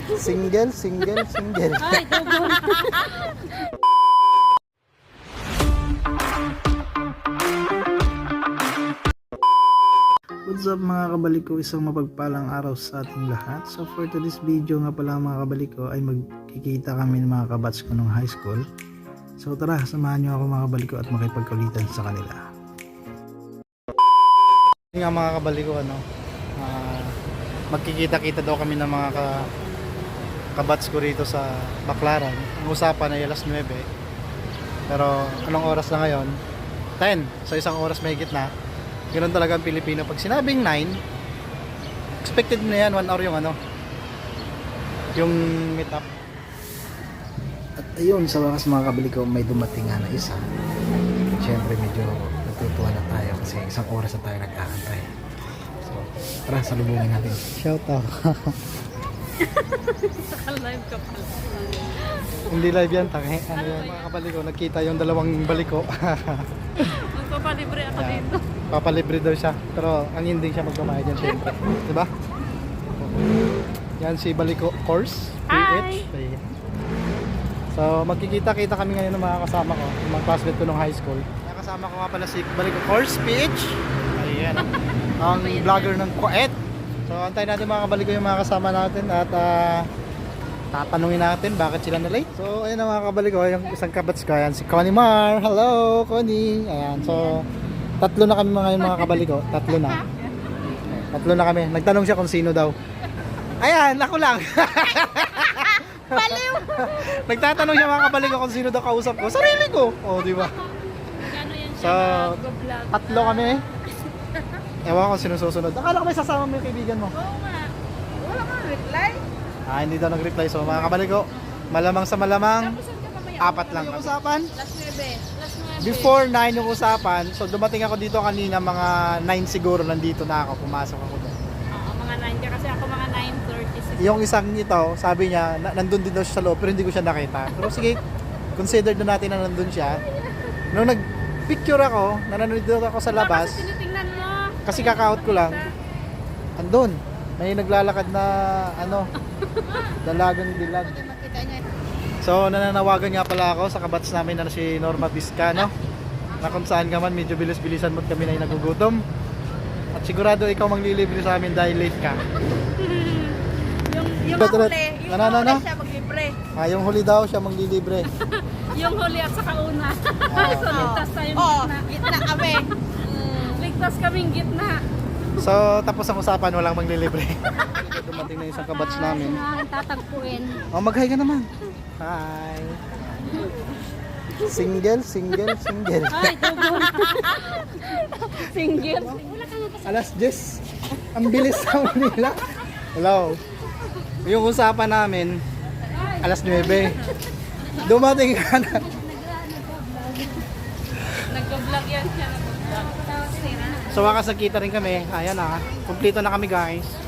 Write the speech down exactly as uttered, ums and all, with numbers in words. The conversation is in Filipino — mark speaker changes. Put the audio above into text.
Speaker 1: Single, single, single.
Speaker 2: Ay, double.
Speaker 1: What's up mga kabalik ko, isang mapagpalang araw sa ating lahat. So for today's video nga pala mga kabalik ko ay magkikita kami ng mga kabats ko nung high school. So tara, samahan nyo ako mga kabalik ko at makipagkulitan sa kanila. Yung nga mga kabalik ko, ano, uh, magkikita-kita daw kami ng mga ka, kabats ko rito sa Baclaran. Ang usapan ay alas nuwebe. Pero anong oras na ngayon? ten. So isang oras may gitna. Ganoon talaga ang Pilipino. Pag sinabing nine, expected na yan, one hour yung ano, yung meet up. At ayun, sa wakas mga kabili ko, may dumating nga na isa. Siyempre medyo natutuwa na tayo kasi isang oras na tayo nag-aantay. So, tara, salubungin natin. Shout out.
Speaker 2: Naka-live ka pala.
Speaker 1: Hindi live yan, tangi. Ano yan, mga kabali ko, nakita yung dalawang baliko.
Speaker 2: Magpapalibre ako
Speaker 1: Yan.
Speaker 2: dito.
Speaker 1: Papalibre daw siya, pero ang hindi siya magbabayad yan syempre, diba? Yan si Baliko Course P H.
Speaker 2: Hi!
Speaker 1: So magkikita-kita kami ngayon ng mga kasama ko, yung mga classmate ko nung high school. Nakasama ko nga pala si Baliko Course P H. Ayan, ang vlogger ng Kuwait. So antayin natin mga kabaliko yung mga kasama natin at uh, tatanungin natin bakit sila na late. So ayun na mga kabaliko, yung isang kabats ko, ayan si Connie Mar. Hello Connie. Ayan, so tatlo na kami mga mga kabaliko, tatlo na. Tatlo na kami. Nagtanong siya kung sino daw. Ayan, ako lang.
Speaker 2: Baliw!
Speaker 1: Nagtatanong siya mga kabaliko kung sino daw kausap ko. Sarili ko. Oh, di ba?
Speaker 2: Gano yan
Speaker 1: So,
Speaker 2: siya mag-vlog.
Speaker 1: tatlo kami. Ewan ko kung sino susunod. Akala ko may sasama mo yung kaibigan mo.
Speaker 2: Oo nga. Wala kang reply.
Speaker 1: Ah, hindi daw nag-reply. So, mga kabaliko, malamang sa malamang,
Speaker 2: Tapos saan ka mamaya?
Speaker 1: apat lang kami. Usapan?
Speaker 2: Last nuwebe. Last nuwebe.
Speaker 1: Before nine yung usapan, so dumating ako dito kanina mga nine siguro, nandito na ako, pumasok ako doon.
Speaker 2: Oo, mga nine ka kasi ako mga nine thirty-six.
Speaker 1: Yung isang ito, sabi niya, na, nandun din daw siya sa loob, pero hindi ko siya nakita. Pero sige, consider na natin na nandun siya. Nung nag-picture ako, na nandun ako sa labas,
Speaker 2: Kasi tinitingnan mo.
Speaker 1: kasi kaka-out ko lang, andun, may naglalakad na, ano, dalagang dilag.
Speaker 2: Makita niya.
Speaker 1: So, nananawagan nga pala ako sa kabats namin na si Norma Vizcano, na kung saan ka man, medyo bilis-bilisan mo't kami na yung nagugutom. At sigurado ikaw manglilibre sa amin dahil late ka.
Speaker 2: Yung, yung
Speaker 1: Betul.
Speaker 2: huli. Yung
Speaker 1: Ano, ano, ano?
Speaker 2: huli siya maglibre.
Speaker 1: Ah, yung huli daw siya manglilibre.
Speaker 2: Yung huli at saka una.
Speaker 1: Ah.
Speaker 2: So, ligtas tayong
Speaker 3: Oo,
Speaker 2: gitna.
Speaker 3: gitna kami.
Speaker 2: Ligtas kaming gitna.
Speaker 1: So, tapos ang usapan, walang manglilibre. Dumating na isang kabats namin.
Speaker 2: Tatagpuin.
Speaker 1: Oh, mag-hi ka naman. Hi. Single, single, single.
Speaker 2: Ay, double. Single. Wala ka nga kasi.
Speaker 1: Alas diyes. Ang bilis sa nila. Hello. Yung usapan namin, alas nuwebe. Dumating ka na.
Speaker 2: Nag-vlog yan siya. Nag-vlog.
Speaker 1: So, wakas nagkita rin kami. Ayan na. Kumplito na kami guys.